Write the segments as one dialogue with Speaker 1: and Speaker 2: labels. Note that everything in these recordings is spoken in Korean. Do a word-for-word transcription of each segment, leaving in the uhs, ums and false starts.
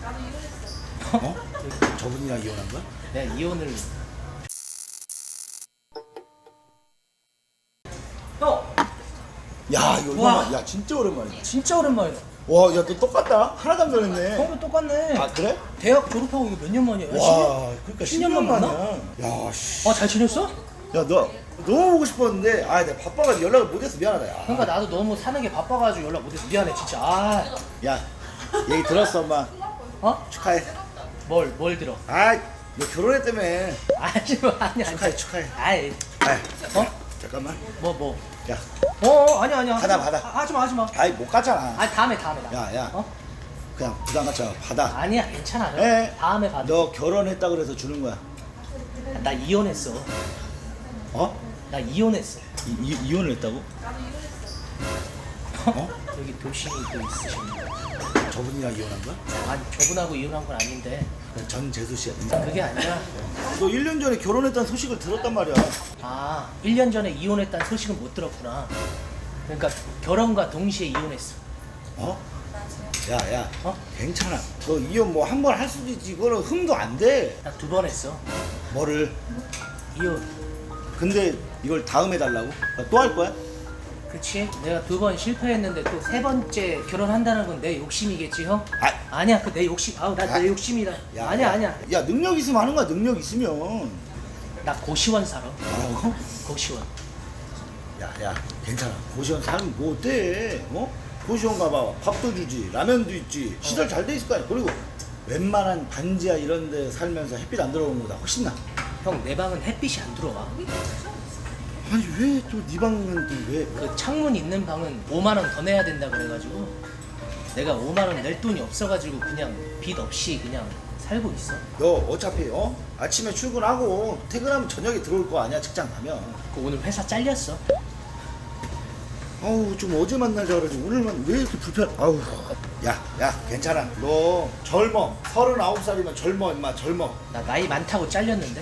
Speaker 1: 어? 저분이랑 이혼한 거야?
Speaker 2: 내가 이혼을. 형!
Speaker 1: 야 이거
Speaker 2: 와.
Speaker 1: 오랜만, 야 진짜 오랜만이야.
Speaker 2: 진짜 오랜만이다.
Speaker 1: 와, 야 너 똑같다. 하나도 안 변했네.
Speaker 2: 형도 똑같네.
Speaker 1: 아 그래?
Speaker 2: 대학 졸업하고 이거 몇 년 만이야?
Speaker 1: 와, 그러니까
Speaker 2: 십 년만 만나?
Speaker 1: 야, 씨.
Speaker 2: 아, 잘 지냈어?
Speaker 1: 야, 너 너무 보고 싶었는데, 아, 내가 바빠가지고 연락을 못해서 미안하다. 야.
Speaker 2: 그러니까 나도 너무 사는 게 바빠가지고 연락 못해서 미안해 진짜. 아,
Speaker 1: 야, 얘기 들었어, 엄마.
Speaker 2: 어?
Speaker 1: 축하해.
Speaker 2: 뭘, 뭘 들어?
Speaker 1: 아, 너 결혼했다며.
Speaker 2: 아니, 뭐, 아니, 아니.
Speaker 1: 축하해, 축하해.
Speaker 2: 아이,
Speaker 1: 아,
Speaker 2: 어?
Speaker 1: 잠깐만.
Speaker 2: 뭐, 뭐.
Speaker 1: 야,
Speaker 2: 어, 어, 아니야, 아니야.
Speaker 1: 받아,
Speaker 2: 하지 마.
Speaker 1: 받아.
Speaker 2: 아, 하지 마, 하지 마.
Speaker 1: 아이 못 가잖아.
Speaker 2: 아니, 다음에, 다음에. 나.
Speaker 1: 야, 야.
Speaker 2: 어?
Speaker 1: 그냥 부담 갖지 마. 받아.
Speaker 2: 아니야, 괜찮아.
Speaker 1: 에?
Speaker 2: 다음에 받아.
Speaker 1: 너 결혼했다 그래서 주는 거야.
Speaker 2: 나 이혼했어.
Speaker 1: 어?
Speaker 2: 나 이혼했어.
Speaker 1: 이, 이, 이혼을 했다고? 어?
Speaker 2: 여기 도심이 또 있으십니다.
Speaker 1: 저분이랑 이혼한 거야?
Speaker 2: 아니, 저분하고 이혼한 건 아닌데.
Speaker 1: 전재수 씨야.
Speaker 2: 그게 아니라,
Speaker 1: 너 일 년 전에 결혼했다는 소식을 들었단 말이야.
Speaker 2: 아, 일 년 전에 이혼했다는 소식은 못 들었구나. 그러니까 결혼과 동시에 이혼했어.
Speaker 1: 어? 야, 야.
Speaker 2: 어?
Speaker 1: 괜찮아. 너 이혼 뭐 한 번 할 수도 있지. 그거는 흠도 안 돼.
Speaker 2: 나 두 번 했어.
Speaker 1: 뭐를?
Speaker 2: 이혼.
Speaker 1: 근데 이걸 다음에 달라고? 또 할 거야?
Speaker 2: 그치? 내가 두 번 실패했는데 또 세 번째 결혼한다는 건 내 욕심이겠지, 형?
Speaker 1: 아,
Speaker 2: 아니야, 그 내 욕심. 아우, 나
Speaker 1: 아.
Speaker 2: 내 욕심이다.
Speaker 1: 야,
Speaker 2: 아니야,
Speaker 1: 야.
Speaker 2: 아니야.
Speaker 1: 야, 능력 있으면 하는 거야. 능력 있으면.
Speaker 2: 나 고시원 살아.
Speaker 1: 뭐라고?
Speaker 2: 고시원.
Speaker 1: 야, 야, 괜찮아. 고시원 살면 뭐 어때? 어? 고시원 가봐. 밥도 주지. 라면도 있지. 시설 잘 돼 있을 거 아니야. 그리고 웬만한 반지하 이런 데 살면서 햇빛 안 들어오는 거다 훨씬 나.
Speaker 2: 형, 내 방은 햇빛이 안 들어와.
Speaker 1: 아니 왜 또 네 방은 또 왜?
Speaker 2: 그 창문 있는 방은 오만 원 더 내야 된다 그래가지고 내가 오만 원 낼 돈이 없어가지고 그냥 빚 없이 그냥 살고 있어.
Speaker 1: 너 어차피 어? 아침에 출근하고 퇴근하면 저녁에 들어올 거 아니야 직장 가면.
Speaker 2: 그 오늘 회사 잘렸어.
Speaker 1: 아우 좀 어제 만나자 그러지 오늘만 왜 이렇게 불편? 아우 야야 괜찮아. 너 젊어. 서른아홉 살이면 젊어 임마 젊어.
Speaker 2: 나 나이 많다고 잘렸는데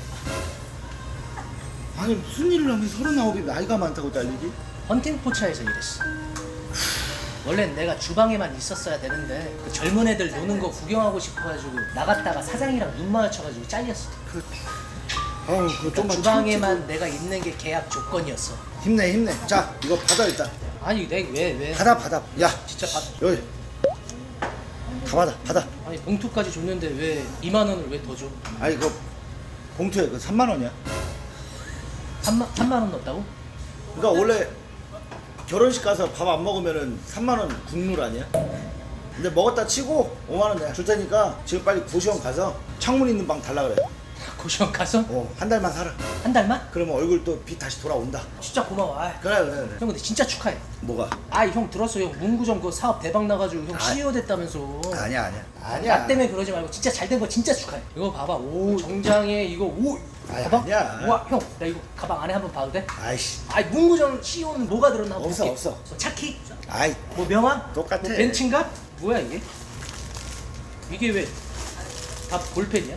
Speaker 1: 아니 무슨 일을 하면 서른아홉이 나이가 많다고 잘리지?
Speaker 2: 헌팅 포차에서 일했어. 원래는 내가 주방에만 있었어야 되는데 그 젊은 애들 노는 거 구경하고 싶어가지고 나갔다가 사장이랑 눈 마주쳐가지고 잘렸어.
Speaker 1: 그 아우 그거
Speaker 2: 그러니까
Speaker 1: 좀만
Speaker 2: 주방에만 내가 있는 게 계약 조건이었어.
Speaker 1: 참지. 힘내 힘내. 자 이거 받아 일단.
Speaker 2: 아니 내 왜 왜?
Speaker 1: 받아 받아. 야
Speaker 2: 진짜 받.
Speaker 1: 여기 다 받아 받아.
Speaker 2: 아니 봉투까지 줬는데 왜 이만 원을 왜 더 줘?
Speaker 1: 아니 이거 봉투에 그 삼만 원이야.
Speaker 2: 삼만 삼만 원 넣었다고?
Speaker 1: 그러니까 원래 결혼식 가서 밥 안 먹으면은 삼만 원 국룰 아니야? 근데 먹었다 치고 오만 원 내가 줄 테니까 지금 빨리 고시원 가서 창문 있는 방 달라 그래.
Speaker 2: 고시원 가서
Speaker 1: 어, 한 달만 살아.
Speaker 2: 한 달만?
Speaker 1: 그러면 얼굴 또 빛 다시 돌아온다.
Speaker 2: 진짜 고마워. 아이.
Speaker 1: 그래 그래 그래.
Speaker 2: 형 근데 진짜 축하해.
Speaker 1: 뭐가?
Speaker 2: 아이 형 들었어. 형 문구점 그 사업 대박 나가지고 형
Speaker 1: 아.
Speaker 2: 씨이오 됐다면서.
Speaker 1: 아니야 아니야.
Speaker 2: 나
Speaker 1: 아니야.
Speaker 2: 때문에 그러지 말고 진짜 잘 된 거 진짜 축하해. 이거 봐봐. 오 정장에 이거 오
Speaker 1: 아이,
Speaker 2: 가방?
Speaker 1: 아니야.
Speaker 2: 우와 형 나 이거 가방 안에 한번 봐도 돼?
Speaker 1: 아이씨.
Speaker 2: 아이 문구점 씨이오는 뭐가 들었나 한번
Speaker 1: 없어,
Speaker 2: 볼게.
Speaker 1: 없어.
Speaker 2: 뭐 차키?
Speaker 1: 아이
Speaker 2: 뭐 명함?
Speaker 1: 똑같아.
Speaker 2: 뭐 벤츠인가? 뭐야 이게? 이게 왜 다 볼펜이야?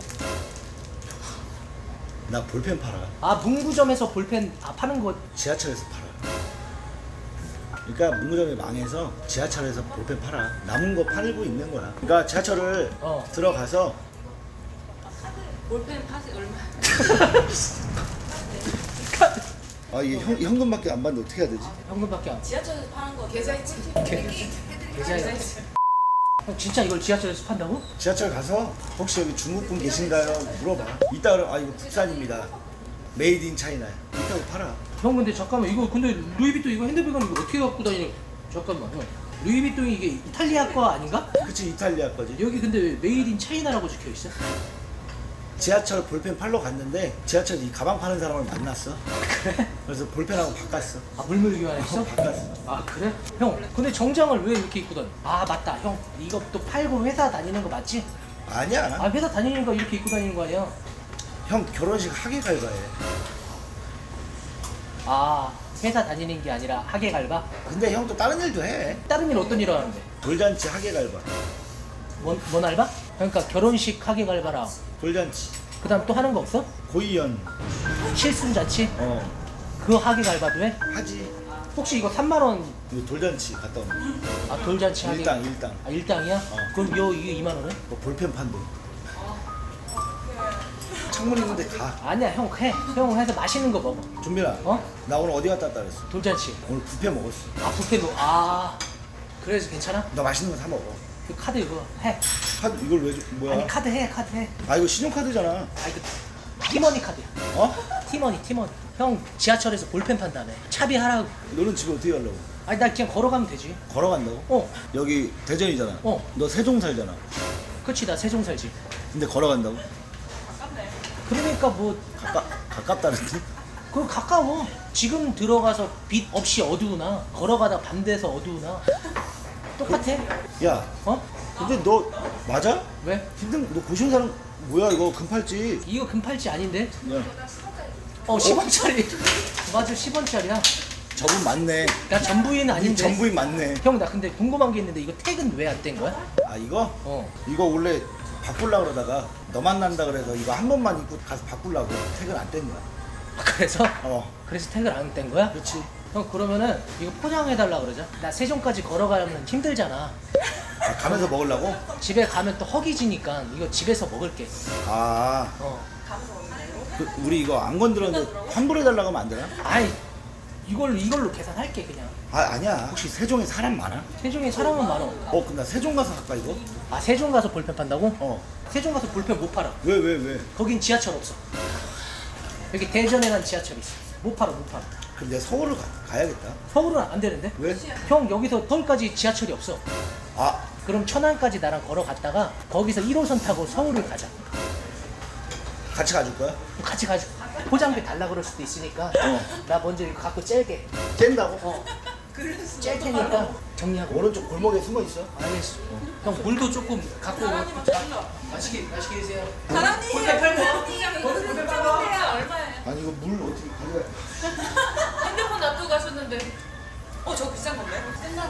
Speaker 1: 나 볼펜 팔아.
Speaker 2: 아 문구점에서 볼펜 아 파는 거.
Speaker 1: 지하철에서 팔아. 그러니까 문구점이 망해서 지하철에서 볼펜 팔아. 남은 거 팔고 있는 거야. 그러니까 지하철을
Speaker 2: 어.
Speaker 1: 들어가서
Speaker 3: 볼펜 팥이 얼마?
Speaker 1: 아 이게 현, 현금밖에 안 받는데 어떻게 해야 되지?
Speaker 2: 현금밖에 안.
Speaker 3: 지하철에서 파는 거 계좌이체.
Speaker 2: 계좌이체. 형 진짜 이걸 지하철에서 판다고?
Speaker 1: 지하철 가서 혹시 여기 중국분 계신가요? 물어봐. 이따 그럼 아 이거 국산입니다. 메이드 인 차이나. 이따가 팔아.
Speaker 2: 형 근데 잠깐만 이거 근데 루이비통 이거 핸드백은 이거 어떻게 갖고 다니는? 잠깐만 형. 루이비통이 이게 이탈리아 거 아닌가?
Speaker 1: 그치 이탈리아 거지.
Speaker 2: 여기 근데 왜 메이드 인 차이나라고 적혀 있어?
Speaker 1: 지하철 볼펜 팔러 갔는데 지하철 이 가방 파는 사람을 만났어.
Speaker 2: 그래?
Speaker 1: 그래서 볼펜하고 바꿨어.
Speaker 2: 아 물물 교환했어?
Speaker 1: 어, 바꿨어.
Speaker 2: 아 그래? 형 근데 정장을 왜 이렇게 입고 다녀? 아 맞다 형 이거 또 팔고 회사 다니는 거 맞지?
Speaker 1: 아니야.
Speaker 2: 아 회사 다니는 거 이렇게 입고 다니는 거 아니야?
Speaker 1: 형 결혼식 하게 갈바해.
Speaker 2: 아 회사 다니는 게 아니라 하계 갈바?
Speaker 1: 근데 형 또 다른 일도 해.
Speaker 2: 다른 일 어떤 일 하는데?
Speaker 1: 돌잔치 하게 갈바.
Speaker 2: 뭔, 뭔 알바? 그러니까 결혼식 하계 갈바랑
Speaker 1: 돌잔치.
Speaker 2: 그 다음 또 하는 거 없어?
Speaker 1: 고이연.
Speaker 2: 실순자치?
Speaker 1: 어
Speaker 2: 그거 하계 갈바도 해?
Speaker 1: 하지.
Speaker 2: 혹시 이거 삼만 원,
Speaker 1: 이거 돌잔치 갔다 오는 거.
Speaker 2: 아 돌잔치 하기
Speaker 1: 일당 일당.
Speaker 2: 아 일당이야?
Speaker 1: 어.
Speaker 2: 그럼 요 이거 이만 원에?
Speaker 1: 뭐 볼펜 판도. 창문 있는데 가.
Speaker 2: 아니야 형 해. 형 해서 맛있는 거 먹어.
Speaker 1: 준빈아.
Speaker 2: 어?
Speaker 1: 나 오늘 어디 갔다 왔다 그랬어?
Speaker 2: 돌잔치.
Speaker 1: 오늘 뷔페 먹었어.
Speaker 2: 아 뷔페 뭐? 아 그래서 괜찮아?
Speaker 1: 너 맛있는 거 사 먹어.
Speaker 2: 그 카드 이거 해.
Speaker 1: 카드 이걸 왜 줘? 뭐야?
Speaker 2: 아니 카드 해 카드 해.
Speaker 1: 아 이거 신용카드잖아.
Speaker 2: 아 이거 티머니 카드야.
Speaker 1: 어?
Speaker 2: 티머니 티머니. 형 지하철에서 볼펜 판다며. 차비 하라고.
Speaker 1: 너는 집에 어떻게 가려고?
Speaker 2: 아니 나 그냥 걸어가면 되지.
Speaker 1: 걸어간다고?
Speaker 2: 어.
Speaker 1: 여기 대전이잖아.
Speaker 2: 어.
Speaker 1: 너 세종 살잖아.
Speaker 2: 그치 나 세종 살지.
Speaker 1: 근데 걸어간다고?
Speaker 2: 그러니까 뭐
Speaker 1: 가까 가깝다는데?
Speaker 2: 그거 가까워. 지금 들어가서 빛 없이 어두우나 걸어가다 밤 돼서 어두우나 똑같아.
Speaker 1: 야,
Speaker 2: 어?
Speaker 1: 근데 너 맞아?
Speaker 2: 왜?
Speaker 1: 힘든 너 고시원 사람 뭐야 이거 금팔찌?
Speaker 2: 이거 금팔찌 아닌데?
Speaker 1: 야,
Speaker 2: 어 십 원짜리. 맞아 십 원짜리야.
Speaker 1: 저분 맞네.
Speaker 2: 나 전부인 아닌데.
Speaker 1: 전부인 맞네.
Speaker 2: 형 나 근데 궁금한 게 있는데 이거 택은 왜 안 뗀 거야?
Speaker 1: 아 이거?
Speaker 2: 어.
Speaker 1: 이거 원래 바꾸려고 그러다가 너 만난다 그래서 이거 한 번만 입고 가서 바꾸려고 퇴근 안 뗀 거야.
Speaker 2: 아, 그래서?
Speaker 1: 어,
Speaker 2: 그래서 택을 안 뗀 거야?
Speaker 1: 그렇지.
Speaker 2: 형 그러면은 이거 포장해달라 그러자. 나 세종까지 걸어가면 힘들잖아.
Speaker 1: 아, 가면서 먹으려고?
Speaker 2: 집에 가면 또 허기지니까 이거 집에서 먹을게.
Speaker 1: 아,
Speaker 2: 어.
Speaker 1: 그, 우리 이거 안 건드렸는데 환불해달라고 하면 안 되나?
Speaker 2: 아이 이걸로 이걸로 계산할게 그냥.
Speaker 1: 아 아니야. 혹시 세종에 사람 많아?
Speaker 2: 세종에 사람은 많어.
Speaker 1: 어, 근데 나 세종 가서 갈까 이거?
Speaker 2: 아 세종 가서 볼펜 판다고?
Speaker 1: 어.
Speaker 2: 세종 가서 볼펜 못 팔아.
Speaker 1: 왜 왜 왜?
Speaker 2: 거긴 지하철 없어. 여기 대전에만 지하철 있어. 못 팔아 못 팔아.
Speaker 1: 그럼 내가 서울을 가, 가야겠다.
Speaker 2: 서울은 안 되는데?
Speaker 1: 왜?
Speaker 2: 형 여기서 서울까지 지하철이 없어.
Speaker 1: 아,
Speaker 2: 그럼 천안까지 나랑 걸어갔다가 거기서 일 호선 타고 서울을 가자.
Speaker 1: 같이 가줄 거야?
Speaker 2: 같이 가자. 포장비 달라 그럴 수도 있으니까
Speaker 1: 어.
Speaker 2: 나 먼저 이거 갖고 짤게.
Speaker 1: 뗀다고?
Speaker 2: 어. 짤 테니까 정리하고.
Speaker 1: 오른쪽 골목에 숨어 있어.
Speaker 2: 알겠어. 형 물도 조금 갖고 오고. 맛있게 맛있게 드세요.
Speaker 3: 사장님
Speaker 2: 볼펜 팔고.
Speaker 3: 볼펜 팔고 얼마예요?
Speaker 1: 아니 이거 물 어떻게 가져가?
Speaker 3: 핸드폰 놔두고 가셨는데 어 저거 비싼 건데?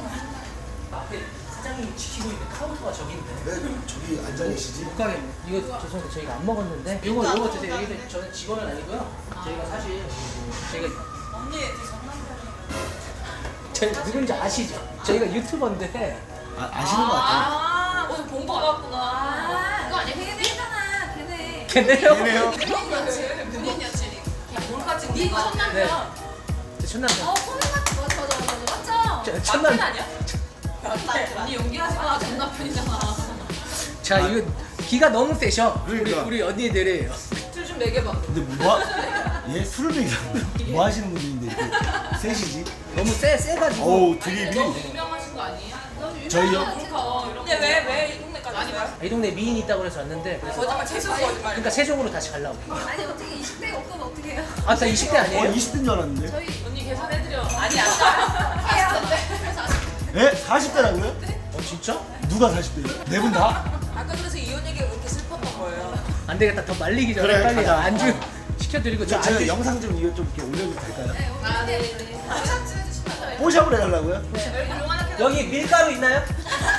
Speaker 2: 앞에 사장님이 지키고 있는 카운터가 저기 있네.
Speaker 1: 왜 저기 앉아 계시지?
Speaker 2: 못 가겠네. 이거 죄송한데 저희가 안 먹었는데. 이거 이거 드세요. 여기서 저는 직원은 아니고요. 저희가 사실 저희가
Speaker 3: 언니 장난감이에요.
Speaker 2: 저희 누군지 아시죠? 저희가 유튜버인데.
Speaker 1: 아, 아시는 것 같아.
Speaker 3: 아 오늘 본거 같구나.
Speaker 4: 그거 아니야? 걔네잖아. 걔네.
Speaker 2: 걔네요?
Speaker 1: 걔네요?
Speaker 3: 군인 여친 군인 여친이 몰카증 네
Speaker 4: 첫
Speaker 3: 거.
Speaker 2: 네.
Speaker 4: 남편.
Speaker 2: 저 첫남편.
Speaker 4: 어, 코는 같은 맞아, 맞아, 맞아, 맞죠?
Speaker 2: 저-
Speaker 3: 맞긴
Speaker 2: 첫남.
Speaker 3: 아니야? 언니 연기하지 마. 전 남편이잖아.
Speaker 2: 자 이거 기가 너무 세셔.
Speaker 1: 그러니까.
Speaker 2: 우리 우리 언니들이.
Speaker 3: 술좀 먹여봐.
Speaker 1: 근데 뭐? 얘 술을 먹이라고 뭐 하시는 분인데 이렇게 셋이지?
Speaker 2: 너무 세 세가지고.
Speaker 1: 어우 드립이.
Speaker 3: 너무 유명하신 거 아니에요?
Speaker 1: 저희요?
Speaker 3: 몰카 이런. 근데 왜 왜 이 동네까지 왔어요?
Speaker 2: 이 동네 미인 있다고 그래서 왔는데. 그래서
Speaker 3: 거짓말 최소 거짓말.
Speaker 2: 그러니까 세종으로 다시 가려고.
Speaker 4: 아니, 어떻게 이십 대가 없으면 어떡해요?
Speaker 2: 아, 나 이십 대
Speaker 1: 어
Speaker 2: 아니에요?
Speaker 1: 이십 대인 줄 알았는데.
Speaker 4: 저희
Speaker 3: 언니 계산해드려. 아니 아까
Speaker 1: 에? 사십 대라고요?
Speaker 2: 어 진짜?
Speaker 1: 누가 사십 대예요? 네 분 다?
Speaker 3: 아까 그래서 이혼 얘기가 그렇게 슬펐던 거예요.
Speaker 2: 안 되겠다. 더 말리기 전에
Speaker 1: 그래,
Speaker 2: 빨리
Speaker 1: 가자.
Speaker 2: 안주 시켜드리고 저
Speaker 1: 저, 제가
Speaker 2: 안주.
Speaker 1: 영상 좀 이거 좀 이렇게 올려도 될까요?
Speaker 4: 네, 오늘
Speaker 3: 아 네네. 포샵 좀 해주시면 돼요.
Speaker 1: 뽀샵을 해달라고요?
Speaker 3: 얼굴 요만하게.
Speaker 2: 여기 밀가루 있나요?